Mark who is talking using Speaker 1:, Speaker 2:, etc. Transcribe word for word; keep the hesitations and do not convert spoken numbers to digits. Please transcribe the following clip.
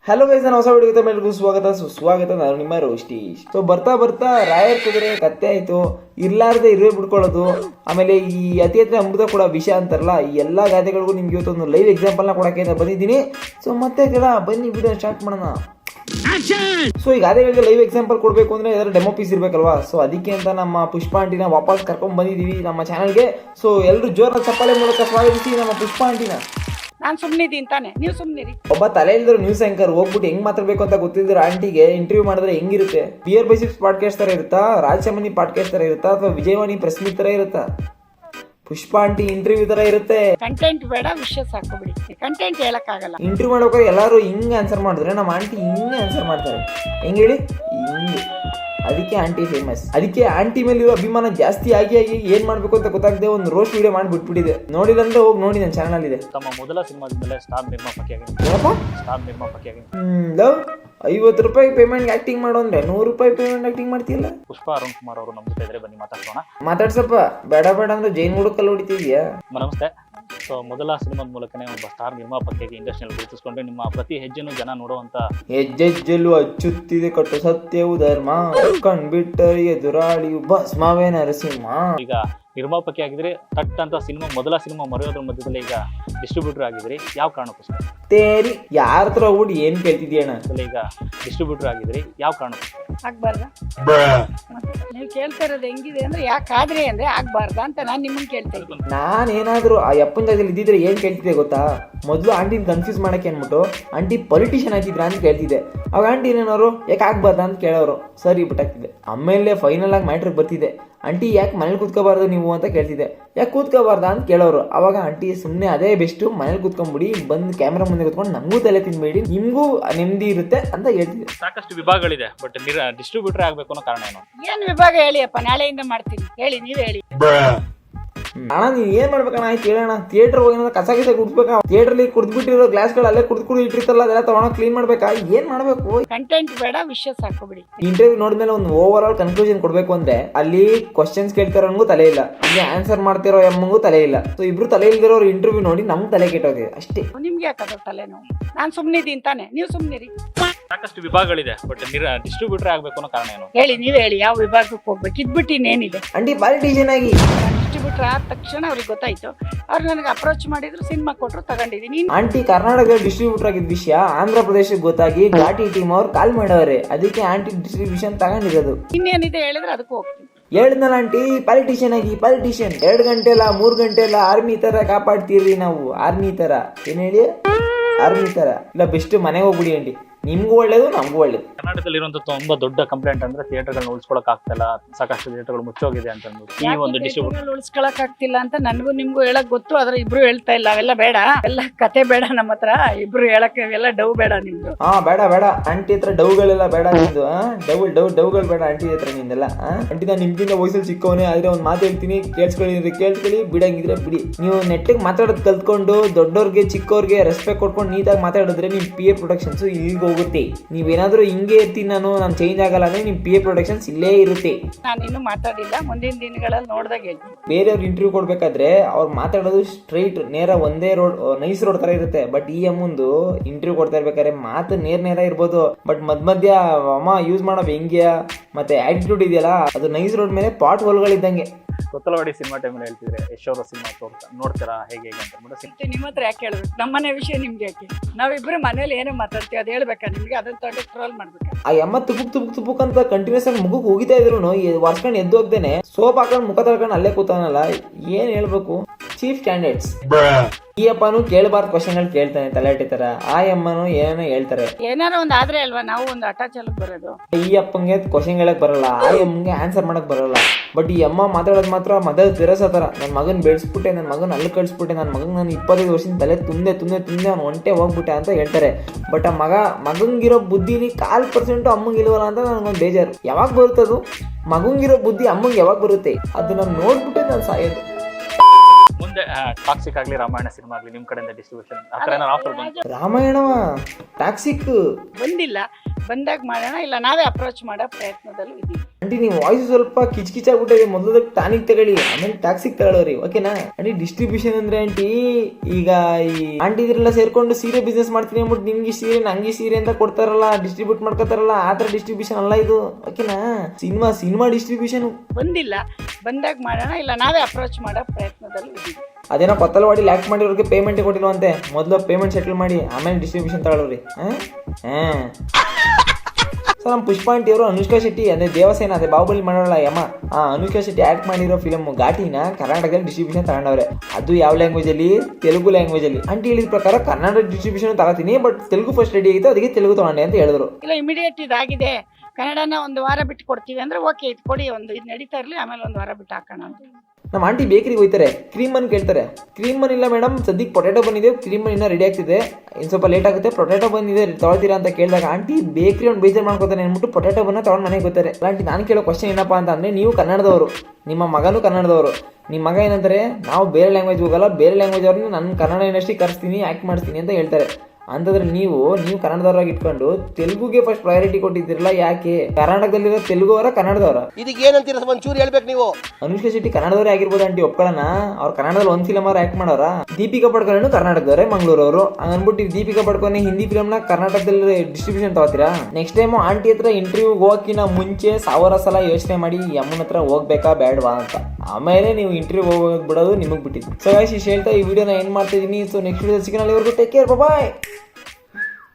Speaker 1: Hello guys, ನಾನು ಹೊಸ ವಿಡಿಯೋಗೆ ಮೇಲೆಗೂ ಸ್ವಾಗತ ಸುಸ್ವಾಗತ. ನಾನು ನಿಮ್ಮ ರೋಸ್ಟೀಶ್. ಸೊ ಬರ್ತಾ ಬರ್ತಾ ರಾಯರ್ ಕುದುರೆ ಕತ್ತೆ ಆಯ್ತು, ಇರ್ಲಾರ್ದೆ ಇರುವೆ ಬಿಡ್ಕೊಳ್ಳೋದು, ಆಮೇಲೆ ಈ ಅತಿ ಹತ್ರ ಅಮೃತ ಕೂಡ ವಿಷ ಅಂತಾರಲ್ಲ, ಈ ಎಲ್ಲಾ ಗಾದೆಗಳಿಗೂ ನಿಮ್ಗೆ ಇವತ್ತೊಂದು ಲೈವ್ ಎಕ್ಸಾಂಪಲ್ನ ಕೊಡಕ್ಕೆ ಅಂತ ಬಂದಿದ್ದೀನಿ. ಸೊ ಮತ್ತೆ ಕೆಲ ಬನ್ನಿ ವಿಡಿಯೋ ಸ್ಟಾರ್ಟ್ ಮಾಡೋಣ. ಸೊ ಈ ಗಾದೆಗಳಿಗೆ ಲೈವ್ ಎಕ್ಸಾಂಪಲ್ ಕೊಡಬೇಕು ಅಂದ್ರೆ ಯಾರು ಡೆಮೋ ಪೀಸ್ ಇರ್ಬೇಕಲ್ವಾ. ಸೊ ಅದಕ್ಕೆ ಅಂತ ನಮ್ಮ ಪುಷ್ಪ ಆಂಟಿನ ವಾಪಸ್ ಕರ್ಕೊಂಡ್ ಬಂದಿದೀವಿ ನಮ್ಮ ಚಾನಲ್ಗೆ. ಸೊ ಎಲ್ಲರೂ ಜೋರಾದ ಚಪ್ಪಾಳೆ ಮೂಲಕ ಸ್ವಾಗತಿಸಿ ನಮ್ಮ ಪುಷ್ಪ ಆಂಟಿನ.
Speaker 2: ನಾನು ಸುಮ್ಮನಿದ್ದೀನಿ ತಾನೆ, ನೀವು ಸುಮ್ಮನಿರಿ.
Speaker 1: ಒಬ್ಬ ತಲೆ ಇಲ್ದ್ರು ನ್ಯೂಸ್ ಆಂಕರ್ ಹೋಗ್ಬಿಟ್ಟು ಹೆಂಗ್ ಮಾತಾಡ್ಬೇಕು ಅಂತ ಗೊತ್ತಿದ್ರೆ ಆಂಟಿಗೆ ಇಂಟರ್ವ್ಯೂ ಮಾಡಿದ್ರೆ ಹೆಂಗಿರುತ್ತೆ? ಬಿಯರ್ ಬೈಸಿಪ್ಸ್ ಪಾಡ್ಕಾಸ್ಟ್ ತರ ಇರುತ್ತಾ, ರಾಜಸಮನಿ ಪಾಡ್ಕಾಸ್ಟ್ ತರ ಇರುತ್ತಾ, ಅಥವಾ ವಿಜಯವಾಣಿ ಪ್ರೆಸ್ ಮೀಟ್ ತರ ಇರುತ್ತಾ? ಪುಷ್ಪ ಆಂಟಿ ಇಂಟರ್ವ್ಯೂ ತರ ಇರುತ್ತೆ.
Speaker 2: ಕಂಟೆಂಟ್ ಬೇಡ, ವಿಷಯ ಸಾಕೋಬಿಡಿ. ಕಂಟೆಂಟ್ ಹೇಳಕ್ಕಾಗಲ್ಲ.
Speaker 1: ಇಂಟರ್ವ್ಯೂ ಮಾಡ್ಬೇಕಾದ್ರೆ ಎಲ್ಲಾರು ಹಿಂಗೆ ಆನ್ಸರ್ ಮಾಡಿದ್ರೆ ನಮ್ಮ ಆಂಟಿ ಹಿಂಗೆ ಆನ್ಸರ್ ಮಾಡ್ತಾರೆ. ಹೆಂಗ್ ಹೇಳಿ? ಹಿಂಗೆ. ಅದಕ್ಕೆ ಆಂಟಿ ಫೇಮಸ್. ಅದಕ್ಕೆ ಆಂಟಿ ಮೇಲೆ ಇರೋ ಅಭಿಮಾನ ಜಾಸ್ತಿ ಆಗಿ ಆಗಿ ಏನ್ ಮಾಡ್ಬೇಕು ಅಂತ ಗೊತ್ತಾಗದೆ ಒಂದು ರೋಸ್ಟ್ ವಿಡಿಯೋ ಮಾಡಿ ಬಿಟ್ಬಿಟ್ಟಿದೆ. ನೋಡಿಲ್ಲ ಅಂದ್ರೆ ಹೋಗಿ ನೋಡಿ ನನ್ನ ಚಾನಲ್ ಇದೆ.
Speaker 3: ತಮ್ಮ ಮೊದಲ ಸಿನಿಮಾದ ಮೇಲೆ ಸ್ಟಾರ್ ನಿರ್ಮಾಪಕಿಯಾಗಿ ಸ್ಟಾರ್ ನಿರ್ಮಾಪಕಿಯಾಗಿ
Speaker 1: ಹ್ಮ್ ಲವ್ ಐವತ್ತು ರೂಪಾಯಿ ಪೇಮೆಂಟ್ ಆಕ್ಟಿಂಗ್ ಮಾಡೋ ಅಂದ್ರೆ ನೂರು ರೂಪಾಯಿ ಪೇಮೆಂಟ್ ಆಕ್ಟಿಂಗ್ ಮಾಡ್ತಿಲ್ಲ.
Speaker 3: ಪುಷ್ಪ ಅರುಣ್ ಕುಮಾರ್ ಅವರು ನಮ್ಮ ಜೊತೆ ಇದ್ರೆ ಬನ್ನಿ ಮಾತಾಡ್ಸೋಣ.
Speaker 1: ಮಾತಾಡ್ಸಪ್ಪ. ಬೇಡ ಬೇಡ ಅಂದ್ರೆ ಜೈನ್ ಹುಡುಕಲ್ಲಿ ಹೊಡಿತಿದ್ಯಾ?
Speaker 3: ನಮಸ್ತೆ. ಸೊ ಮೊದಲ ಸಿನಿಮಾದ ಮೂಲಕನೇ ಒಬ್ಬ ಸ್ಟಾರ್ ನಿರ್ಮಾಪಕಿಯಾಗಿ ಇಂಡಸ್ಟ್ರಿಯಲ್ಲಿ ಗುರುತಿಸಿಕೊಂಡು ನಿಮ್ಮ ಪ್ರತಿ ಹೆಜ್ಜೆನೂ ಜನ ನೋಡುವಂತ
Speaker 1: ಹೆಜ್ಜೆಜ್ಜೆಲ್ಲೂ ಅಚ್ಚುತ್ತಿದೆ ಕಟ್ಟು ಸತ್ಯವು ಧರ್ಮ, ಕಂಡ್ಬಿಟ್ಟರೆ ಎದುರಾಳಿಯು ಭಸ್ಮವೇ ನರಸಿಂಹ.
Speaker 3: ಈಗ ನಿರ್ಮಾಪಕಿ ಆಗಿದ್ರೆ ತಟ್ ಅಂತ ಸಿನಿಮಾ ಮೊದಲ ಸಿನಿಮಾ ಮರೆಯೋದ್ರ ಮಧ್ಯದಲ್ಲಿ ಈಗ ಡಿಸ್ಟ್ರಿಬ್ಯೂಟರ್ ಆಗಿದ್ರಿ, ಯಾವ ಕಾರಣಕ್ಕೋಸ್ಕರ?
Speaker 1: ತೇರಿ ಯಾರ ಹತ್ರ ಹೋಗ್ಬಿಟ್ಟು ಏನ್ ಕೇಳ್ತಿದ್ಯಣ್ಣ?
Speaker 3: ಈಗ ಡಿಸ್ಟ್ರಿಬ್ಯೂಟರ್ ಆಗಿದ್ರಿ, ಯಾವ ಕಾರಣಕ್ಕೋಸ್ಕರ?
Speaker 2: ಆಗ್ಬಾರ್ದ? ನೀವು ಕೇಳ್ತಾ ಇರೋದು ಹೆಂಗಿದೆ ಅಂದ್ರೆ ಯಾಕಾದ್ರೆ ಅಂದ್ರೆ ಆಗ್ಬಾರ್ದ ಅಂತ ನಾನು ನಿಮ್ಮನ್ನ ಕೇಳ್ತಾ ಇದ್ದೀನಿ.
Speaker 1: ನಾನ್ ಏನಾದ್ರು ಆ ಅಪ್ಪನ ಜಾಗದಲ್ಲಿ ಇದ್ದಿದ್ರೆ ಏನ್ ಕೇಳ್ತಿದ್ದೆ ಗೊತ್ತಾ? ಮೊದಲು ಆಂಟಿನ ಕನ್ಫ್ಯೂಸ್ ಮಾಡಕ್ಕೆ ಅನ್ಬಿಟ್ಟು ಆಂಟಿ ಪೊಲಿಟಿಷಿಯನ್ ಆಗಿದ್ರ ಅಂತ ಕೇಳ್ತಿದ್ದೆ. ಅವಾಗ ಆಂಟಿ ಏನೇನವರು ಯಾಕೆ ಆಗ್ಬಾರ್ದ ಅಂತ ಕೇಳೋರು, ಸರಿ ಬಿಟ್ಟಾಗ್ತಿದ್ದೆ. ಆಮೇಲೆ ಫೈನಲ್ ಆಗಿ ಮ್ಯಾಟ್ರಿಗೆ ಬರ್ತಿದ್ದೆ. ಆಂಟಿ ಯಾಕೆ ಮನೇಲಿ ಕೂತ್ಕೋಬಾರ್ದು ನೀವು ಅಂತ ಕೇಳ್ತಿದ್ದೆ. ಯಾಕೆ ಕೂತ್ಕೋಬಾರ್ದ ಅಂತ ಕೇಳೋರು. ಅವಾಗ ಆಂಟಿ ಸುಮ್ಮನೆ ಅದೇ ಬೆಸ್ಟು, ಮನೇಲಿ ಕೂತ್ಕೊಂಡ್ಬಿಡಿ, ಬಂದು ಕ್ಯಾಮ್ರಾ ಮುಂದೆ ಕೂತ್ಕೊಂಡು ನಮಗೂ ತಲೆ ತಿನ್ಬೇಡಿ, ನಿಮಗೂ ನೆಮ್ಮದಿ ಇರುತ್ತೆ ಅಂತ ಹೇಳ್ತಿದ್ದೆ.
Speaker 3: ಸಾಕಷ್ಟು ವಿಭಾಗಗಳಿದೆ, ಬಟ್ ಡಿಸ್ಟ್ರಿಬ್ಯೂಟರ್ ಆಗ್ಬೇಕು ಅನ್ನೋ ಕಾರಣ ಏನು?
Speaker 2: ಏನ್ ವಿಭಾಗ ಹೇಳಿ ಅಪ್ಪ, ನಾಳೆಯಿಂದ ಮಾಡ್ತೀನಿ. ಹೇಳಿ, ನೀವ್ ಹೇಳಿ.
Speaker 1: ಅಣ್ಣ ನೀನ್ ಏನ್ ಮಾಡ್ಬೇಕಣ್ಣ ಆಯ್ತು ಹೇಳೋಣ. ಥಿಯೇಟರ್ ಹೋಗಿ ಕಸ ಗಿಸ ಕುಡ್ಬೇಕಾ? ಥಿಯೇಟರ್ಲಿ ಕುಡ್ದ್ಬಿಟ್ಟಿರೋ ಗ್ಲಾಸ್ಗಳು ಅಲ್ಲೇ ಕುಡ್ದು ಕುಡಿದು ಇಟ್ಟಿರ್ತಾರಲ್ಲ, ಅದೆಲ್ಲ ತಗೊಂಡು ಕ್ಲೀನ್ ಮಾಡ್ಬೇಕಾ? ಏನ್ ಮಾಡ್ಬೇಕು?
Speaker 2: ಕಂಟೆಂಟ್ ಬೇಡ, ವಿಷಯ ಸಾಕೋಬಿಡಿ.
Speaker 1: ಇಂಟರ್ವ್ಯೂ ನೋಡಿದ್ಮೇಲೆ ಒಂದು ಓವರ್ ಆಲ್ ಕನ್ಕ್ಲೂಷನ್ ಕೊಡ್ಬೇಕು ಅಂದ್ರೆ ಅಲ್ಲಿ ಕ್ವಶನ್ಸ್ ಕೇಳ್ತಾರೋನ್ಗೂ ತಲೆ ಇಲ್ಲ, ಇಲ್ಲಿ ಆನ್ಸರ್ ಮಾಡ್ತಿರೋ ಎಮ್ಮಂಗೂ ತಲೆ ಇಲ್ಲ. ಸೊ ಇಬ್ರು ತಲೆ ಇಲ್ದಿರೋರು ಇಂಟರ್ವ್ಯೂ ನೋಡಿ ನಮ್ಗೆ ತಲೆ ಕೆಟ್ಟೋಗಿದೆ ಅಷ್ಟೇ.
Speaker 2: ನಿಮ್ಗೆ ಯಾಕದ ತಲೆನೋವು? ನಾನು ಸುಮ್ಮನಿದ್ದೀನಿ ತಾನೆ, ನೀವು ಸುಮ್ಮನಿರಿ.
Speaker 3: ಸಾಕಷ್ಟು ವಿಭಾಗಗಳಿದೆ, ಬಟ್ ಡಿಸ್ಟ್ರಿಬ್ಯೂಟರ್ ಆಗ್ಬೇಕು ಅನ್ನೋ ಕಾರಣ ಏನು?
Speaker 2: ಹೇಳಿ, ನೀವ್ ಹೇಳಿ, ಯಾವ ವಿಭಾಗಕ್ಕೆ ಹೋಗ್ಬೇಕು? ಇದ್ಬಿಟ್ಟು ಇನ್ನೇನಿದೆ?
Speaker 1: ಆಂಟಿ ಪಾಲಿಟಿಷಿಯನ್ ಆಗಿ
Speaker 2: ಡಿಸ್ಟ್ರಿಬ್ಯೂಟರ್ ಆದ ತಕ್ಷಣ ಅವ್ರಿಗೆ ಗೊತ್ತಾಯ್ತು, ಅವ್ರು ನನಗೆ ಅಪ್ರೋಚ್ ಮಾಡಿದ್ರು, ಸಿನಿಮಾ ಕೊಟ್ಟರು, ತಗೊಂಡಿದ್ದೀನಿ.
Speaker 1: ಆಂಟಿ ಕರ್ನಾಟಕದಲ್ಲಿ ಡಿಸ್ಟ್ರಿಬ್ಯೂಟರ್ ಆಗಿದ್ದ ವಿಷಯ ಆಂಧ್ರ ಪ್ರದೇಶಕ್ಕೆ ಗೊತ್ತಾಗಿ ಘಾಟಿ ಟೀಮ್ ಅವ್ರು ಕಾಲ್ ಮಾಡವ್ರೆ, ಅದಕ್ಕೆ ಆಂಟಿ ಡಿಸ್ಟ್ರಿಬ್ಯೂಷನ್ ತಗೊಂಡಿರೋದು.
Speaker 2: ಇನ್ನೇನಿದೆ ಹೇಳಿದ್ರೆ ಅದಕ್ಕೂ ಹೋಗ್ತೀನಿ.
Speaker 1: ಹೇಳಿದ್ನಲ್ಲ ಆಂಟಿ ಪಾಲಿಟಿಷಿಯನ್ ಆಗಿ ಪಾಲಿಟಿಷಿಯನ್. ಎರಡು ಗಂಟೆ ಎಲ್ಲ ಮೂರು ಗಂಟೆ ಎಲ್ಲ ಆರ್ಮಿ ತರ ಕಾಪಾಡ್ತೀರಿ ನಾವು, ಆರ್ಮಿ ತರ. ಏನ್ ಹೇಳಿ? ಆರ್ಮಿ ತರ ಇಲ್ಲ, ಬೆಸ್ಟ್ ಮನೆಗೆ ಹೋಗ್ಬಿಡಿ ಆಂಟಿ, ನಿಮ್ಗೂ ಒಳ್ಳೇದು ನಮಗೂ ಒಳ್ಳೇದು.
Speaker 3: ಕರ್ನಾಟಕದಲ್ಲಿರುವಂತ ತುಂಬಾ ದೊಡ್ಡ ಕಂಪ್ಲೇಂಟ್ ಅಂದ್ರೆ ಥಿಯೇಟರ್ಗಳನ್ನ ಉಳಿಸ್ಕೊಳಕ್ ಆಗ್ತಿಲ್ಲ, ಸಾಕಷ್ಟು ಥಿಯೇಟರ್ಗಳು ಮುಚ್ಚೋಗಿದೆ ಅಂತ ಅಂದ್ಬಿಟ್ಟು ಈ ಒಂದು ಡಿಸ್ಟ್ರಿಬ್ಯೂಟರ್
Speaker 2: ಉಳಿಸ್ಕೊಳಕ್ ಆಗ್ತಿಲ್ಲ ಅಂತ ನನಗೂ ನಿಮ್ಗೂ ಹೇಳಕ್ ಗೊತ್ತು, ಆದ್ರೆ ಇಬ್ರು ಹೇಳ್ತಾ ಇಲ್ಲ. ಅವೆಲ್ಲ ಬೇಡ, ಎಲ್ಲ ಕತೆ ಬೇಡ ನಮ್ಮ ಹತ್ರ. ಇಬ್ರು ಹೇಳಕ್ ಎಲ್ಲ ಡವ್ ಬೇಡ ನಿಮ್ದು. ಹಾ
Speaker 1: ಬೇಡ ಬೇಡ ಆಂಟಿ ಹತ್ರ ಡವ್ಗಳೆಲ್ಲ ಬೇಡ ನಿಮ್ದು. ಡವ್ ಡವ್ ಡವ್ಗಳು ಬೇಡ ಆಂಟಿ ಹತ್ರ ನಿಂದೆಲ್ಲ. ಆಂಟಿ ನಾನು ನಿಮ್ಗಿಂತ ವಯಸ್ಸಲ್ಲಿ ಚಿಕ್ಕವನೇ, ಆದ್ರೆ ಒಂದು ಮಾತು ಹೇಳ್ತೀನಿ, ಕೇಳಿಸ್ಕೊಳ್ಳಿ ಕೇಳಿಸ್ಕೊಳ್ಳಿ, ಬಿಡಂಗಿದ್ರೆ ಬಿಡಿ. ನೀವು ನೆಟ್ಟಿಗೆ ಮಾತಾಡೋದು ಕಲ್ತ್ಕೊಂಡು ದೊಡ್ಡವ್ರಿಗೆ ಚಿಕ್ಕವ್ರಿಗೆ ರೆಸ್ಪೆಕ್ಟ್ ಕೊಟ್ಕೊಂಡು ನೀಟಾಗಿ ಮಾತಾಡಿದ್ರೆ ನಿಮ್ ಪಿ ಎ ಪ್ರೊಡಕ್ಷನ್ಸ್ ಇಲ್ಲಿಗೆ ಹೋಗುತ್ತೆ. ನೀವೇನಾದ್ರೂ ಹಿಂಗೆ ಇರ್ತೀನಿ ನಾನು ನಾನು ಚೇಂಜ್ ಆಗಲ್ಲ ಅಂದ್ರೆ ನಿಮ್ ಪಿ ಎ ಪ್ರೊಡಕ್ಷನ್ಸ್ ಇಲ್ಲೇ ಇರುತ್ತೆ.
Speaker 2: ನಾನು ಇನ್ನೂ ಮಾತಾಡಿಲ್ಲ, ಮುಂದಿನ ದಿನಗಳಲ್ಲಿ ನೋಡಿದಾಗ ಹೇಳ್ತೀನಿ.
Speaker 1: ಬೇರೆಯವ್ರು ಇಂಟರ್ವ್ಯೂ ಕೊಡ್ಬೇಕಾದ್ರೆ ಅವ್ರು ಮಾತಾಡೋದು ಸ್ಟ್ರೈಟ್ ನೇರ ಒಂದೇ ರೋಡ್, ನೈಸ್ ರೋಡ್ ತರ ಇರುತ್ತೆ. ಬಟ್ ಈ ಅಮ್ಮಂದು ಇಂಟರ್ವ್ಯೂ ಕೊಡ್ತಾ ಇರ್ಬೇಕಾದ್ರೆ ಮಾತು ನೇರ ನೇರ ಇರ್ಬೋದು, ಬಟ್ ಮಧ್ಯ ಮಧ್ಯ ಅಮ್ಮ ಯೂಸ್ ಮಾಡೋ ವ್ಯಂಗ್ಯ ಮತ್ತೆ ಆಟಿಟ್ಯೂಡ್ ಇದೆಯಲ್ಲ, ಅದು ನೈಸ್ ರೋಡ್ ಮೇಲೆ ಪಾಟ್ ಹೋಲ್ಗಳಿದ್ದಂಗೆ.
Speaker 3: ಗೊತ್ತಲವಾಡಿ ಸಿನಿಮಾ ಟೈಮಲ್ಲಿ ಹೇಳ್ತಿದ್ರೆ ಯಶೋರ ಸಿನಿಮಾ ತೋರ್ತಾ ನೋಡ್ತೀರಾ ಹೇಗೆ ಹೇಗೆ ಅಂತ
Speaker 2: ನಿಮ್ಮ ಹತ್ರ ಯಾಕೆ ಹೇಳ್ಬೇಕು? ನಮ್ಮನೆ ವಿಷಯ ನಿಮ್ಗೆ ಯಾಕೆ? ನಾವಿಬ್ರು ಮನೇಲಿ ಏನೋ ಮಾತಾಡ್ತೀವಿ, ಅದು ಹೇಳ್ಬೇಕಾ ನಿಮ್ಗೆ? ಅದನ್ನ ತೊಗೊಂಡು ಟ್ರೋಲ್ ಮಾಡ್ಬೇಕಾ?
Speaker 1: ಆ ಅಮ್ಮ ತುಪುಕ್ ತುಪುಕ್ ತುಪುಕ್ ಅಂತ ಕಂಟಿನ್ಯೂಸ್ ಆಗಿ ಮುಖಕ್ಕೆ ಹೋಗಿತಾ ಇದ್ರು, ವರ್ಷಕೊಂಡು ಎದ್ದು ಹೋಗ್ದೇನೆ ಸೋಪ್ ಹಾಕೊಂಡು ಮುಖ ತಳ್ಕೊಂಡು ಅಲ್ಲೇ ಕೂತಾನಲ್ಲ, ಏನ್ ಹೇಳ್ಬೇಕು? Chief standards. ಈ ಅಪ್ಪನು ಕೇಳಬಾರ್ದು ಕ್ವಶನ್ಗಳು ಕೇಳ್ತಾನೆ ತಲಾಟೆ ತರ, ಆ ಅಮ್ಮನು ಏನೋ ಹೇಳ್ತಾರೆ.
Speaker 2: ಏನಾರ ಒಂದ್ ಆದ್ರೆ ಅಲ್ವಾ ನಾವು ಒಂದು ಅಟ್ಯಾಚ್ ಅಲ್ಲಕ್ ಬರೋದು.
Speaker 1: ಈ ಅಪ್ಪಂಗೆ ಕ್ವಶನ್ ಹೇಳಕ್ ಬರಲ್ಲ, ಆ ಅಮ್ಮಂಗೆ ಆನ್ಸರ್ ಮಾಡಕ್ ಬರಲ್ಲ. ಬಟ್ ಈ ಅಮ್ಮ ಮಾತಾಡೋದು ಮಾತ್ರ ಮದರ್ ತೆರೇಸಾ ತರ, ನನ್ನ ಮಗನ್ ಬೆಳೆಸ್ಬಿಟ್ಟೆ, ನನ್ನ ಮಗನ್ ಅಲ್ಲಿ ಕಳಿಸ್ಬಿಟ್ಟೆ, ನನ್ನ ಮಗನ್ ನಾನು ಇಪ್ಪತ್ತೈದು ವರ್ಷದಿಂದ ತಲೆ ತುಂದೆ ತುಂದೆ ತುಂದೆ ಅವ್ನು ಒಂಟೆ ಹೋಗ್ಬಿಟ್ಟೆ ಅಂತ ಹೇಳ್ತಾರೆ. ಬಟ್ ಆ ಮಗ ಮಗಂಗಿರೋ ಬುದ್ಧಿನಿ ಕಾಲ್ ಪರ್ಸೆಂಟು ಅಮ್ಮಂಗಿಲ್ವಲ್ಲ ಅಂತ ನನಗೊಂದು ಬೇಜಾರು. ಯಾವಾಗ ಬರುತ್ತದು? ಮಗಂಗಿರೋ ಬುದ್ಧಿ ಅಮ್ಮಂಗೆ ಯಾವಾಗ ಬರುತ್ತೆ? ಅದನ್ನ ನೋಡ್ಬಿಟ್ಟೆ ನಾನು ಸಾಯೋದು.
Speaker 3: ಮುಂದೆ ಟಾಕ್ಸಿಕ್ ಆಗ್ಲಿ ರಾಮಾಯಣ ಸಿನಿಮಾ ಆಗ್ಲಿ ನಿಮ್ ಕಡೆಯಿಂದ ಡಿಸ್ಟ್ರಿಬ್ಯೂಷನ್ ಆತರ ಏನಾದ್ರು ಆಫರ್ ಬಂತು?
Speaker 1: ರಾಮಾಯಣವ ಟಾಕ್ಸಿಕ್
Speaker 2: ಬಂದಿಲ್ಲ, ಬಂದಾಗ ಮಾಡೋಣ, ಇಲ್ಲ ನಾವೇ ಅಪ್ರೋಚ್ ಮಾಡೋ ಪ್ರಯತ್ನದಲ್ಲೂ ಇದೀವಿ.
Speaker 1: ಆಂಟಿ ನೀವು ವಾಯ್ಸ್ ಸ್ವಲ್ಪ ಕಿಚ್ ಕಿಚ್ ಆಗ್ಬಿಟ್ಟಿದೆ. ಮೊದಲು ಟಾನಿಕ್ ತಗೊಳ್ಳಿ, ಆಮೇಲೆ ಟ್ಯಾಕ್ಸಿಗೆ ತಗೊಳ್ಳೋರಿ, ಓಕೆನಾ? ಆಂಟಿ ಡಿಸ್ಟ್ರಿಬ್ಯೂಷನ್ ಅಂದ್ರೆ ಆಂಟಿ ಈಗ ಈ ಆಂಟಿ ಇದ್ರೆಲ್ಲ ಸೇರ್ಕೊಂಡು ಸೀರೆ ಬಿಸ್ನೆಸ್ ಮಾಡ್ತೀನಿ ಅಂದ್ಬಿಟ್ಟು ನಿಮ್ಗೆ ಸೀರೆ ನಂಗೆ ಸೀರೆ ಅಂತ ಕೊಡ್ತಾರಲ್ಲ, ಡಿಸ್ಟ್ರಿಬ್ಯೂಟ್ ಮಾಡ್ಕೊತಾರಲ್ಲ, ಆ ಥರ ಡಿಸ್ಟ್ರಿಬ್ಯೂಷನ್ ಅಲ್ಲ ಇದು, ಓಕೆನಾ? ಸಿನಿಮಾ ಸಿನಿಮಾ ಡಿಸ್ಟ್ರಿಬ್ಯೂಷನ್
Speaker 2: ಬಂದಿಲ್ಲ, ಬಂದಾಗ ಮಾಡೋಣ, ಇಲ್ಲ ನಾವೇ ಅಪ್ರೋಚ್ ಮಾಡೋ ಪ್ರಯತ್ನದಲ್ಲಿ ಇದ್ದೀವಿ.
Speaker 1: ಅದೇನೋ ಕೊತ್ತಲವಾಡಿ ಲ್ಯಾಕ್ ಮಾಡಿರೋರಿಗೆ ಪೇಮೆಂಟ್ ಕೊಟ್ಟಿಲ್ವಂತೆ, ಮೊದಲು ಪೇಮೆಂಟ್ ಸೆಟಲ್ ಮಾಡಿ ಆಮೇಲೆ ಡಿಸ್ಟ್ರಿಬ್ಯೂಷನ್ ತಗೊಳ್ಳೋರಿ. ಹಾಂ ಹಾಂ ಸರ್, ನಮ್ಮ ಪುಷ್ಪಾ ಆಂಟಿ ಅವರು ಅನುಷ್ಕಾ ಶೆಟ್ಟಿ ಅಂದರೆ ದೇವಸೇನ ಅದೇ ಬಾಹುಬಲಿ ಮಾಡೋಲ್ಲ ಯಮ್ಮ, ಆ ಅನುಷ್ಕಾ ಶೆಟ್ಟಿ ಆ್ಯಕ್ಟ್ ಮಾಡಿರೋ ಫಿಲಮ್ ಘಾಟಿನ ಕರ್ನಾಟಕದಲ್ಲಿ ಡಿಸ್ಟ್ರಿಬ್ಯೂಷನ್ ತಗೊಂಡವ್ರೆ. ಅದು ಯಾವ ಲ್ಯಾಂಗ್ವೇಜಲ್ಲಿ? ತೆಲುಗು ಲ್ಯಾಂಗ್ವೇಜಲ್ಲಿ. ಆಂಟಿ ಹೇಳಿದ ಪ್ರಕಾರ ಕನ್ನಡ ಡಿಸ್ಟ್ರಿಬ್ಯೂಷನ್ ತಗೋತೀನಿ, ಬಟ್ ತೆಲುಗು ಫಸ್ಟ್ ರೆಡಿ ಆಗಿತ್ತು, ಅದಕ್ಕೆ ತೆಲುಗು ತಗೊಂಡೆ ಅಂತ ಹೇಳಿದ್ರು.
Speaker 2: ಇಲ್ಲ ಇಮಿಡಿಯೇಟ್ ಇದಾಗಿದೆ, ಕನ್ನಡನ ಒಂದು ವಾರ ಬಿಟ್ಟು ಕೊಡ್ತೀವಿ ಅಂದ್ರೆ ಓಕೆ, ಇದು ಕೊಡಿ, ಒಂದು ಇದು ನಡೀತಾ ಇರಲಿ, ಆಮೇಲೆ ಒಂದು ವಾರ ಬಿಟ್ಟು ಹಾಕೋಣ ಅಂತ.
Speaker 1: ನಮ್ಮ ಆಂಟಿ ಬೇಕರಿಗೆ ಹೋಗ್ತಾರೆ, ಕ್ರೀಮ್ ಬನ್ ಕೇಳ್ತಾರೆ. ಕ್ರೀಮ್ ಬನ್ ಇಲ್ಲ ಮೇಡಮ್, ಸದ್ಯಕ್ಕೆ ಪೊಟ್ಯಾಟೊ ಬಂದಿದೆ, ಕ್ರೀಮ್ ಬನ್ ಇನ್ನೂ ರೆಡಿ ಆಗ್ತಿದೆ, ಇನ್ನು ಸ್ವಲ್ಪ ಲೇಟ್ ಆಗುತ್ತೆ, ಪೊಟ್ಯಾಟೊ ಬಂದಿದೆ ತೊಗೊಳ್ತೀರಾ ಅಂತ ಕೇಳಿದಾಗ ಆಂಟಿ ಬೇಕ್ರಿ ಒಂದು ಬೇಜಾರು ಮಾಡ್ಕೋತಾನೆ ಅಂದ್ಬಿಟ್ಟು ಪೊಟ್ಯಾಟೊ ಬನ್ನ ತೊಗೊಂಡು ಮನೆಗೆ ಗೊತ್ತಾರೆ. ಆಂಟಿ ನಾನು ಕೇಳೋ ಕ್ವಶನ್ ಏನಪ್ಪ ಅಂತ ಅಂದರೆ, ನೀವು ಕನ್ನಡದವರು, ನಿಮ್ಮ ಮಗನೂ ಕನ್ನಡದವರು, ನಿಮ್ಮ ಮಗ ಏನಂತಾರೆ ನಾವು ಬೇರೆ ಲ್ಯಾಂಗ್ವೇಜ್ ಹೋಗಲ್ಲ, ಬೇರೆ ಲ್ಯಾಂಗ್ವೇಜ್ ಅವ್ರನ್ನ ನಾನು ಕನ್ನಡ ಇಂಡಸ್ಟ್ರಿ ಕರೆಸ್ತೀನಿ, ಆ್ಯಕ್ಟ್ ಮಾಡಿಸ್ತೀನಿ ಅಂತ ಹೇಳ್ತಾರೆ. ಅಂತಂದ್ರೆ ನೀವು ನೀವು ಕನ್ನಡದವರಾಗಿ ಇಟ್ಕೊಂಡು ತೆಲುಗುಗೆ ಫಸ್ಟ್ ಪ್ರಯಾರಿಟಿ ಕೊಟ್ಟಿದ್ದೀರಲ್ಲ, ಯಾಕೆ? ಕರ್ನಾಟಕದಲ್ಲಿರೋ ತೆಲುಗುವರ ಕನ್ನಡದವರ?
Speaker 4: ಇದಕ್ಕೆ ಏನಂತೀರ ಒಂಚೂರು ಹೇಳ್ಬೇಕು ನೀವು.
Speaker 1: ಅನುಷ್ಕಾ ಶೆಟ್ಟಿ ಕನ್ನಡದವರೇ ಆಗಿರ್ಬೋದು ಆಂಟಿ, ಒಪ್ಕೊಳ್ಳೋಣ. ಅವ್ರು ಕನ್ನಡದಲ್ಲಿ ಒಂದು ಫಿಲಮ್ ಅವ್ರು ಆ್ಯಕ್ಟ್ ಮಾಡೋರ. ದೀಪಿಕಾ ಪಡ್ಕೊನೆ ಕರ್ನಾಟಕದವರೇ, ಮಂಗಳೂರವರು. ಹಂಗನ್ಬಿಟ್ಟು ದೀಪಿಕಾ ಪಡ್ಕೊನೆ ಹಿಂದಿ ಫಿಲಮ್ನ ಕರ್ನಾಟಕದಲ್ಲಿ ಡಿಸ್ಟ್ರಿಬ್ಯೂಷನ್ ತಗೋತೀರಾ? ನೆಕ್ಸ್ಟ್ ಟೈಮು ಆಂಟಿ ಹತ್ರ ಇಂಟರ್ವ್ಯೂ ಹೋಗೋಕ್ಕಿಂತ ಮುಂಚೆ ಸಾವಿರ ಸಲ ಯೋಚನೆ ಮಾಡಿ ಯಮ್ಮನ ಹತ್ರ ಹೋಗ್ಬೇಕಾ ಬೇಡವಾ ಅಂತ, ಆಮೇಲೆ ನೀವು ಇಂಟರ್ವ್ಯೂ ಹೋಗೋದು ಬಿಡೋದು ನಿಮಗೆ ಬಿಟ್ಟಿದ್ದು. ಸೊ ಗಾಯ್ಸ್, ಇಷ್ಟು ಹೇಳ್ತಾ ಈ ವಿಡಿಯೋನ ಏನು ಮಾಡ್ತಿದ್ದೀನಿ. ಸೊ ನೆಕ್ಸ್ಟ್ ವಿಡಿಯೋ ಸಿಗೋಣ, ಟೇಕ್ ಕೇರ್, ಬಾಯ್.